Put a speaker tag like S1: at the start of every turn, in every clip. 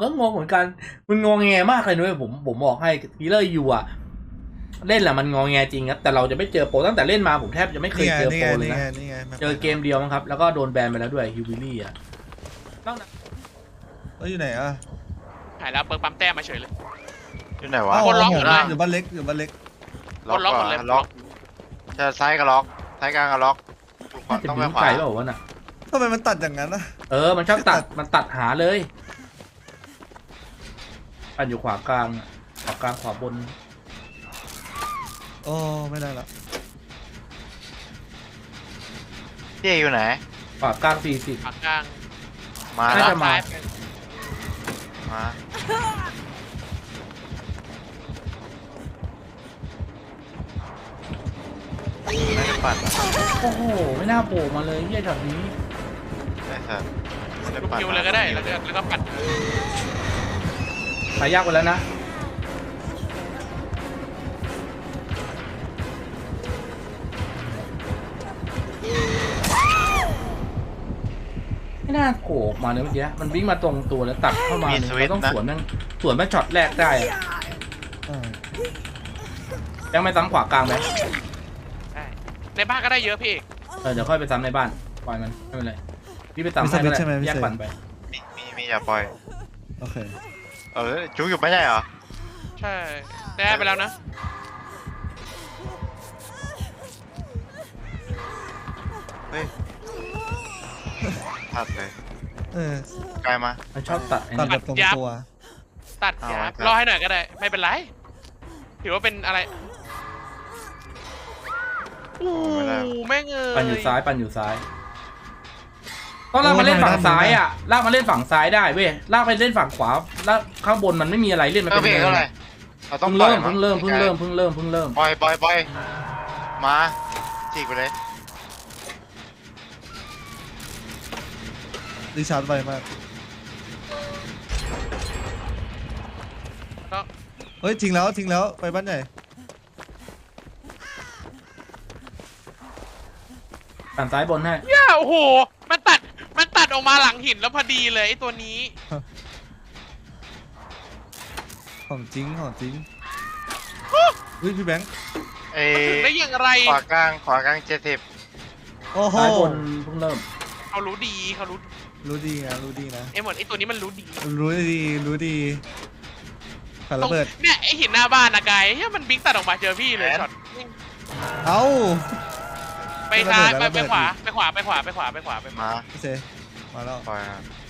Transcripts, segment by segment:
S1: ก็งงเหมือนกันมันงงแงมากเลยด้วยผมบอกให้ทีเลอร์ยูอะเล่นแหละมันงงแงจริงครับแต่เราจะไม่เจอโปรตั้งแต่เล่นมาผมแทบจะไม่เคยเจอโปรเลยนะเจอเกมเดียวมั้งครับแล้วก็โดนแบนไปแล้วด้วยฮิวบิลี่อะ
S2: แล้วอยู่ไหนอ่ะ
S3: หายแล้วเปิดปั๊มแต้มมาเฉยเลย
S4: อยู่ไหนวะ
S3: คนล็อกหมดเลย
S2: อยู่บ้านเล็กอยู่บ้านเล็ก
S3: คนล็อกหมดเลย
S4: ล็อกจะซ้ายก็ล็อกซ้ายกลางก็ล็อกขวา
S1: จะ
S4: ต้อง
S1: บิ
S4: ไป
S1: ว
S4: ขวา
S1: ไก่เปล่าวะน่ะ
S2: ทำไมมันตัดอย่างนั้นนะ
S1: มันชอบตัดหาเลยปั่นอยู่ขวากลางขวากลางขวาบน
S2: โอ้ไม่ได้ละ
S4: พี่อยู่ไหน
S1: ขวากลาง40
S3: ปากกลาง
S4: มา
S1: น่า
S4: แล้ว
S1: จะมา
S4: มาไม่ได้ปั่น
S1: โอ้โหไม่น่าโผล่มาเลยเฮียช็อตนี้
S4: ไอ้สัสไม่ได้
S3: ลูก
S4: ปั่น
S3: คิวเลยก็ได้แล้วก็ปัด
S1: ไปยากไปแล้วนะไม่น่าโผล่ออกมาเลยเมื่อกี้มันวิ่งมาตรงตัวแล้วตัดเข้ามาเราต้องสวนแม่งช็อตแรกได้อะ
S2: อ่า
S1: ยังไม่ซ้ำขวากลางไหม
S3: ได้ในบ้านก็ได้เยอะพี่เอก
S1: เดี๋ยวค่อยไปซ้ำในบ้านปล่อยมันไม่เป็นไรพี่ไปซ้ำให้ก็ได้แยกปั่นไป
S4: มีอย่าปล่อย
S2: โอเค
S4: จุกอยู่ไม่ใช่เหรอ
S3: ใช่ได้ไปแล้วนะ
S4: เฮ้ยตัดเลย
S2: เออ
S4: ไกลมา
S1: มันชอบตัดไอ้
S2: ตัด
S1: นี่
S2: แบบตรงตัว
S3: ตัดยับรอให้หน่อยก็ได้ไม่เป็นไรถือว่าเป็นอะไรอู้แม่งเอ้ย
S1: ปั่นอยู่ซ้ายต้องลากมาเล่นฝั่งซ้ายอ่ะลากมาเล่นฝั่งซ้ายได้เว้ยลากไปเล่นฝั่งขวาแล้วข้างบนมันไม่มีอะไรเล่นมัน
S4: ก็
S1: เป็น
S4: เพลง
S1: เนิ
S4: เท่าน ไหร่เราต้องปล่อย
S1: เพิ่งเริ่ม
S4: ปล่อยมาฉีกไปเลย
S2: ดิชาร์จไวมาก
S3: ก็
S2: เฮ้ยทิ้งแล้วไปบ้านใหญ่
S1: ฝั่งซ้ายบนให้
S3: ย่าโอ้โหมันตัดออกมาหลังหินแล้วพอดีเลยไอ้ตัวนี้
S2: ของจริงอุ้ยพี่แบงค์
S3: ได้อย่างไร
S4: ขวากลาง70
S2: โอ้โห
S1: ซ้ายบนเพิ่งเริ่ม
S3: เขารู้ดีเขารู้
S2: รู้ดีนะ
S3: ไอ้หมดไอ้ตัวนี้มันรู้ดี
S2: รู้ดีขันระเบิด
S3: เนี่ยไอ้หินหน้าบ้านนะกายเฮ้ยมันบิ๊กตัดออกมาเจอพี่เลยช็อต
S2: เอ้า
S3: ไปซ้าย
S2: ระเบิด
S3: ไปขวา
S2: อีก
S3: ไปขวา
S4: มา
S2: โอเคมาแล้ว
S4: ปล่อย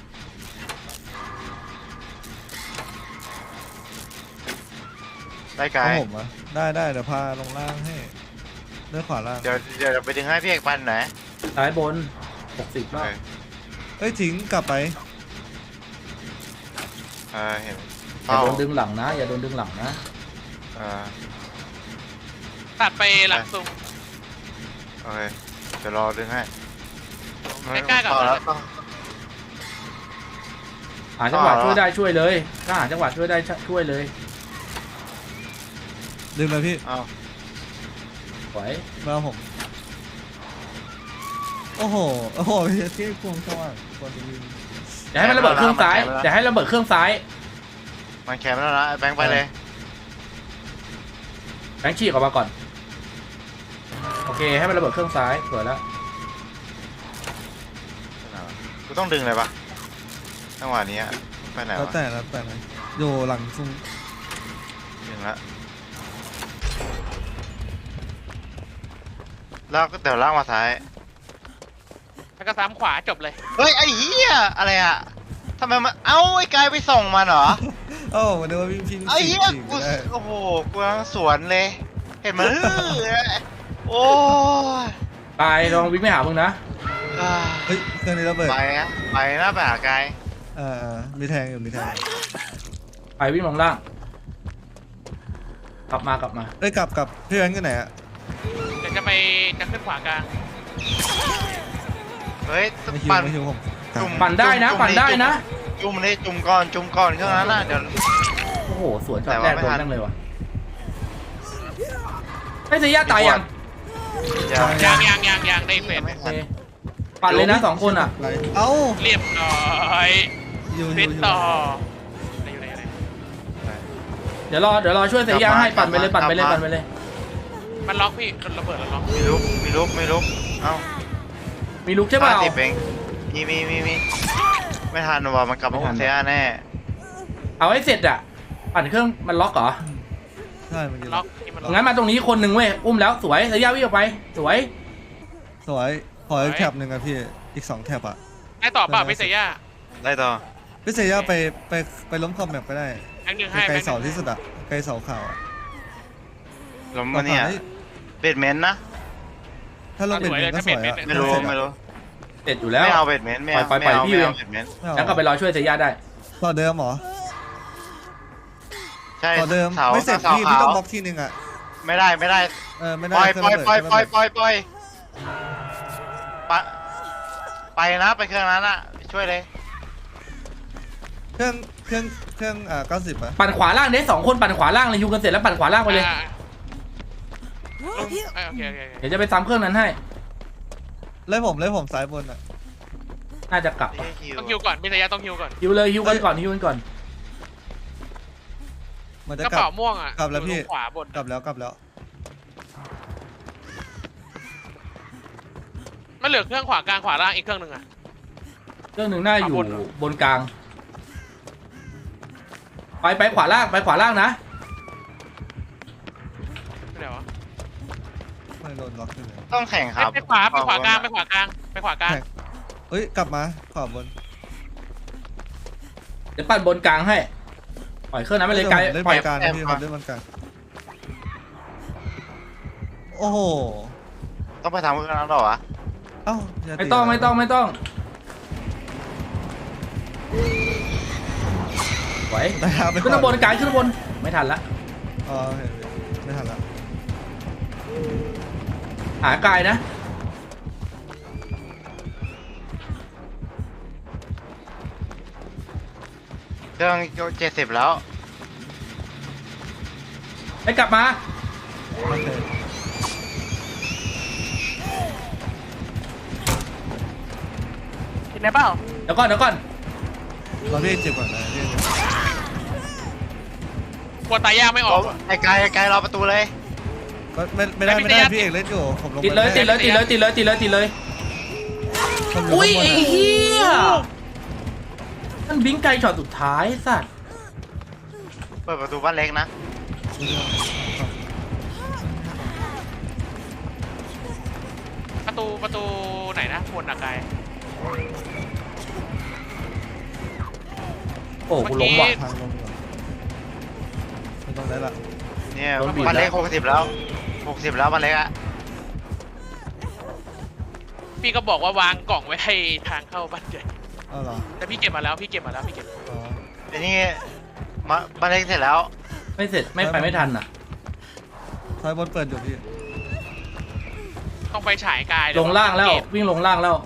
S4: ได้ไกล
S2: เอาผมอ่ะได้เดี๋ยวพาลงล่างให้เลือกขวาล่าง
S4: เดี๋ยวไปดึงให้พี่เอกปันไหน
S1: ซ้ายบน60รอบ
S2: เอ้ยทิ้งกลับไป
S4: เห็น
S1: อย่าโดนดึงหลังนะ
S3: ตัดไปหลังซุง
S4: โอเคเดี๋ยวรอดึงให้
S3: ใกล้ๆกับ
S4: แล้ว
S1: หาจังหวะช่วยได้ช่วยเลยถ้าหาจังหวะช่วยได้ช่วยเลย
S2: ดึงเลยพี่
S4: เอา
S1: ไหว
S2: มาผมโอ้โหที่ควงสว่างควรจะยิง
S1: อย่าให้มันระเบิดเครื่องซ้ายอย่าให้ระเบิดเครื่องซ้าย
S4: มันแคมแล้วนะแบงค์ไปเลย
S1: แบงค์ฉีกออกมาก่อนโอเคให้มันระเบิดเครื่องซ้ายสวยแล้ว
S4: กูต้องดึงเลยปะจังหวะนี้ไปไหน
S2: แล้ว
S4: วะ
S2: แต่นะอยู่หลังซุง
S4: ดึงละแล้วก็เดี๋ยวลากมาซ้าย
S3: แล้วก็ซ้ำขวาจบเลย
S4: เฮ้ยไอ้เหี้ยอะไรอะทำไมมันไอ้กายไปส่งมันเหรอ
S2: โอ้วันนี้ว่าพี่
S4: ไอ้เหี้ย
S2: ฉีก
S4: กู
S2: ได้
S4: โอ้โหกูกำลังสวนเลย เห็นมันโอ้ย
S1: ตายลองวิ่งไม่หามึงนะ
S2: เฮ้ยเครื่องนี้ระเบิด
S4: ไปนะไปหากาย
S2: มีแทงอยู่มีแทง
S1: ไปวิ่งลงล่างกลับมา
S2: เอ้ยกลับพี่แบงค์อยู่ไหนอะ
S3: เดี๋ยวจะขึ้นขวากลาง
S4: เฮ้ย
S2: ไม่หิวผม
S1: ปั่นได้นะ
S4: จุ่มเลยจุ่มก่อนเครื่องนั้นน่ะเดี๋ยว
S1: โอ้โหสวนช็อตแรก
S4: แต่
S1: โด
S4: ว่าน ไม่ทัน
S1: นั่งเลยวะไม่เสียตายยัง
S3: ยังได้เฟส
S4: ไม่
S1: โอ
S4: ทัน
S1: เคปั่นเลยนะ2คนอ่ะ
S2: เอ้า
S3: เรียบร้อย
S2: อยู่
S3: เฟสต่อ
S1: เดี๋ยวรอช่วยเสียยาให้ปั่นไปเลยปั่นไปเลยปั่นไปเลย
S3: มันล็อกพี่โดนระเบิดแล้วล็อก
S4: มีลุกเอ้า
S1: มีลูกใช่เปล่า
S4: 50เองมีไม่ทันว่ะมันกลับมาอุ้มเซียแน่
S1: เอาให้เสร็จอ่ะปั่นเครื่องมันล็อกเหรอ
S2: ใช่เมื่อกี้
S3: ล็อกที่มันล็อก
S1: งั้นมาตรงนี้คนหนึ่งเว้ยอุ้มแล้วสวยเสียยาวิ่งออกไปสวย
S2: สวยขออีกแถบหนึ่งอะพี่อีก2แถบอะ
S3: ได้ต่อเปล่าพี่เซีย
S4: ได้ต่อ
S2: พี่เซย่าไปล้มคอมแมปก็ได้
S3: แบงค์หนึ่งให้
S2: ไกล
S3: แบงค์ห
S2: เสา
S3: นึ่ง
S2: ที่สุดอะไกลเสาข่าวอะ
S4: ล้มมาเนี่ยเบดเมนต์นะ
S2: ถ้าลงเป็นก็สวยอะ
S4: ไม่รู้
S1: เสร็จอยู่แล้ว
S4: ไม่เอาเบดเมนต์ไม่เอา
S1: ปล่อย
S4: ไม่เอา
S1: พี่
S4: ไม่
S1: เอ
S4: เอา
S1: ง
S4: เบดเมนต์
S1: แล้วก็ไปรอช่วยเสียยาได้
S2: ต่อเดิมเหรอ
S4: ใช่
S2: ต่อเดิม
S4: สา
S2: ไม่เสร็จ
S4: สา
S2: พี่
S4: ขาว
S2: ต้องบล็อกทีนึงอะ
S4: ไม่ได้
S2: ไม่ได้
S4: ปล่อย
S2: เครื่องระเบิด
S4: ไปนะไปเครื่องนั้นอ่ะช่วยเลย
S2: เครื่อง90อะ
S1: ปั่นขวาล่างเด้2คนปั่นขวาล่างเลยยูกันเสร็จแล้วปั่นขวาล่างไปเลย
S3: โอเค
S1: เดี๋ยวจะไปซ้ำเครื่องนั้นให้
S2: เลยผมซ้ายบนอะ
S1: น่าจะกลับ
S3: ต้องฮิวก่อนพี่เซียต้องฮิวก่อน
S1: ฮิวเลยฮิวกันก่อนฮิวกันก่อน
S2: มันจะ
S3: กระ
S2: กลั
S3: เป๋า
S2: บ
S3: ม่วงอ่ะ
S2: กลับแล้วพี่
S3: ขวาบน
S2: กลับแล้ว
S3: มันเหลือเครื่องขวากลางขวาล่างอีกเครื่องหนึ่งอ่ะ
S1: เครื่องหนึ่งน่าอยู่
S3: ขวาบนเหรอ
S1: บนกลางไปขวาล่างนะ
S3: ไม่ได้วะ
S2: ไม่โดนล็อกขึ้นเลย
S4: ต้องแข่งครับ
S3: ไปขวากลางไปขวากลาง
S2: เอ้ยกลับมาขวาบน
S1: เดี๋ยวปั่นบนกลางให้ปล่อยเครื่องนั้นไปเลยไกล
S2: เล่น
S1: ปล่อย
S2: บนกลางนะพี่ผมเล่นบนกลางโอ้โห
S4: ต้องไปทำเครื่องนั้นหรอวะ
S2: เอ้าอย่า
S1: ไม่ต้องไหว
S2: ได้ครับไป
S1: ขึ้นข้างบนกลางขึ้นข้างบนไม่ทันละ
S2: อ๋อโอเคไม่ทันละ
S1: หากายนะ
S4: เครื่อง70แล้ว
S1: ไปกลับมา
S2: โอเค
S3: เห็นไหมเปล่า
S1: เดี๋ยวก่อน
S2: เราเรียกเจ็บก่อนนะเรียกเจ็บ
S3: กลัวตายยากไม่ออก
S4: ไอ้ไกลรอประตูเลย
S2: ก็ไม่ได้พี่เอกเล่นอยู่ผมลง
S1: ติดเลย
S2: ผม
S1: อุ้ย
S2: ข้างบน
S1: ไอ้
S2: อะ
S1: เหี้ยมันบิงไกลช็อตสุดท้ายสัตว์
S4: เปิดประตูบ้านเล็กนะ
S3: ประตูไหนนะบนหนักไกล
S1: โอ้กูล้มว่ะ
S2: ทางลงอยู่ไม่ต้องได้ละ
S4: เนี่ย
S1: โดนบีบ
S4: บ้านเล็ก
S1: แล้ว
S4: 60แล้วบ้านเล็กอะ
S3: พี่ก็บอกว่าวางกล่องไว้ให้ทางเข้าบ้านใหญ่
S2: อ้าวเหรอ
S3: แต่พี่เก็บมาแล้วพี่เก็บ
S2: อ๋อ
S4: ไอ้นี่บ้านเล็กเสร็จแล้ว
S1: ไม่เสร็จไม่ทันอ่ะ
S2: ซ้ายบนเปิดอยู่พี่
S3: ต้องไปฉายกาย
S1: ลงล่างแล้ว
S3: เก็บ
S1: วิ่งลงล่างแล้ว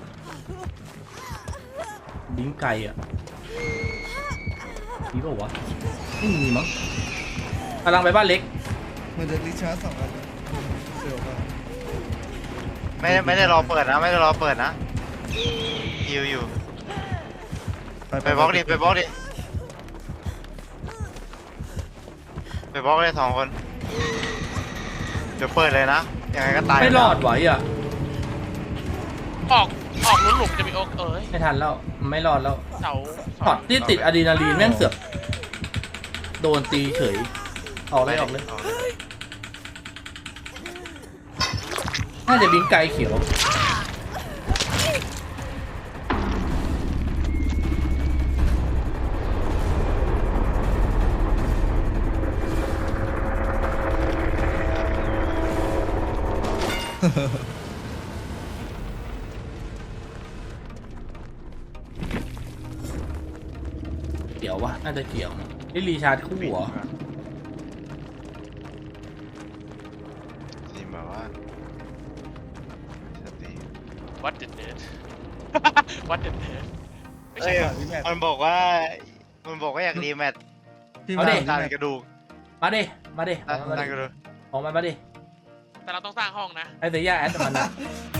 S1: บิงไกลอ่ะมีเปล่าวะไม่มีมั้งกำลังไปบ้านเล็ก
S2: มันจะรีชาร์จ2 อันนะเร็วมาก
S4: ไม่ได้รอเปิดนะฮิวอยู่ไปบล็อกดิไปบล็อกเลย2 คนเดี๋ยวเปิดเลยนะยังไงก็ตาย
S1: ไม่รอดไหวอ่ะ
S3: ออกลุ้นหลุมจะมีโอ๊กเอ้ย
S1: ไม่ทันแล้วไม่รอดแล้ว
S3: เสา
S1: ช็อตที่ติดอะดรีนาลีนแม่งเสือกโดนตีเฉยออกเลยน่าจะบิงไกลเขียว เกี่ยววะน่าจะเกี่ยวนะนี่รีชาร์จคู่เหรอ
S4: ทีมแบบว่าสติ
S3: วัดเด็ดวัดเด็ดไม่
S4: เอ้
S3: ใช่
S4: ย
S2: พี่แมท
S4: มันบอกว่าอยากรีแมตช์
S2: พี่
S1: เอา
S2: แม
S1: ดิ
S2: ท
S4: ดันกระดูก
S1: มาดิ
S4: ดันกระดูก
S1: ออกมาดิ
S3: แต่เราต้องสร้างห้องนะ
S1: ไอ้เสียแอดมันนะ